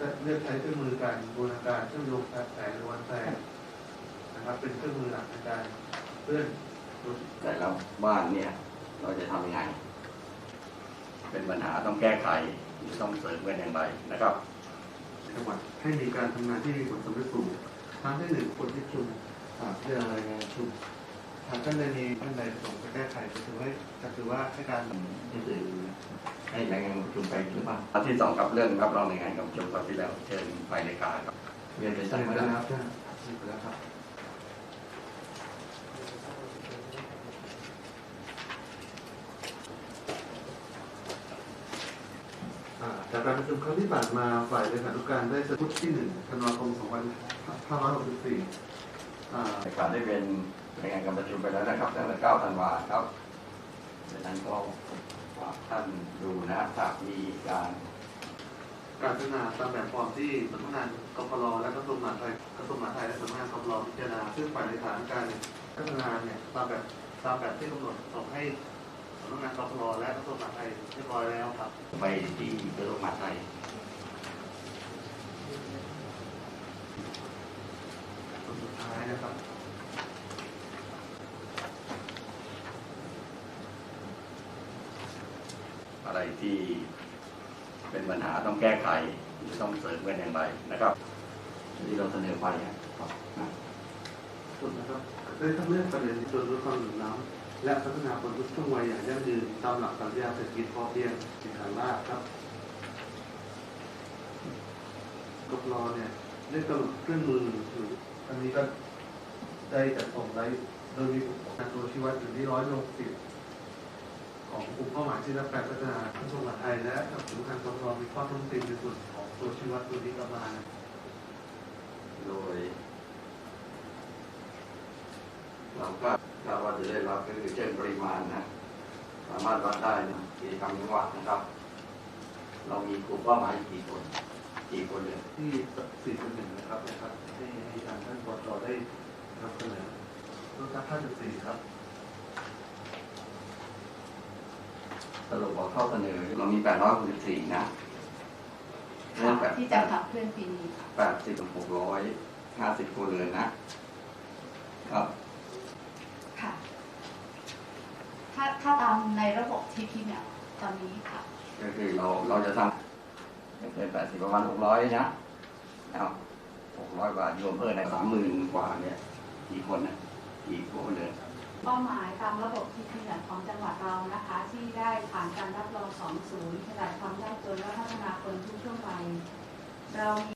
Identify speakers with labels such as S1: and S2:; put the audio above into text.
S1: เลือกใช้เครื่องมือการบูรณาการเชื่อมโยงสายล้วนแสงนะครับเป็นเครื่องมือหลักในการเลื่อน
S2: แต่ละบ้านเนี่ยเราจะทำยังไงเป็นปัญหาต้องแก้ไขต้องเสริมกันอย่างไรนะครับ
S1: จังหวัดให้มีการทำงานที่มีผลสำเร็จสูงทั้งที่หนึ่งคนที่ชุมเรื่องรายงานชุมทางท่านใดมีท่านใดประสงค์จะแก้ไขก็ถือว่าให้การ
S2: อื่นให้รายงานประชุมไปหรือเปล่าอันที่สองครับเรื่องรับรองรายงานกับประชุมคราวที่แล้วเชิญไปในการครับเรียนไปใช่ไหมครับ
S1: ไปแล้วครับจากการประชุมครั้งที่ผ่านมาฝ่ายเลขานุการได้สรุปที่1 ธันวาคม 2564
S2: ในการได้เป็นรายงานการประชุมไปแล้วนะครับตั้งแต่9 ธันวาคมครับดังนั้นก็ท่านดูนะถ้ามีการ
S1: พัฒนาตามแบบฟอร์มที่สำนักงานกพลและกระทรวงมหาดไทยและสำนักงานกพลพิจารณาซึ่งฝ่ายเลขานุการพัฒนาเนี่ยตามแบบที่กำหนดส่งให้สำนักงานกพลและกระทรวงมหาดไทยเรียบร้อยแล้วครับ
S2: ไปที่กระทรวงมหาดไทย
S1: สุดท้ายนะครับ
S2: อะไรที่เป็นปัญหาต้องแก้ไขต้องเสริมกันอย่างไรนะครับที่เราเสนอไปครับ
S1: สุดนะครับได้ทั้งเรื่องประเด็นส่วนลดความเหลื่อมล้ำและพัฒนาคนทุกช่วงวัยอย่างยั่งยืนตามหลักปรัชญาเศรษฐกิจพอเพียงสินฐานรากครับกพลเนี่ยได้กำหนดเครื่องมือหรืออันนี้ก็ได้จัดส่งไว้โดยมีการตัวชี้วัดอยู่ที่160ของกลุ่มเป้าหมายที่รับการพัฒนากระทรวงมหาดไทยและกับสำนักงานกพลมีข้อต้องติงในส่วนของตัวชี้วัดตัวนี้ประมาณ
S2: โดยเราก็ว่าจะได้รับก็คือเช่นปริมาณนะสามารถวัดได้นะกิจกรรมจังหวัดนะครับเรามีกลุ่มเป้าหมายกี่คนเลย
S1: ที่4.1นะครับให้ทางท่านปชได้นำเสนอรูปแบบ5.4ครับ
S2: สรุปว่าข้อเสนอเรามี864นะ
S3: ที่จะขับเคลื่อนปีนี้
S2: 80 ถึง 650ครัวเรือนนะครับ
S3: ค่ะถ้าตามในระบบที่พี่เนี่ยตอนนี้ค่ะ
S2: ก็คือเราจะทำเป็น80ประมาณ600นะครับ600 กว่าโยมเพิ่มใน30,000 กว่าเนี่ยกี่คนนะกี่ครัวเรือน
S3: เป้าหมายตามระบบที่ขนาดของจังหวัดเรานะคะที่ได้ผ่านการรับรอง2 ศูนย์ขนาดความยากจนและพัฒนาคนทุกช่วงวัยเรามี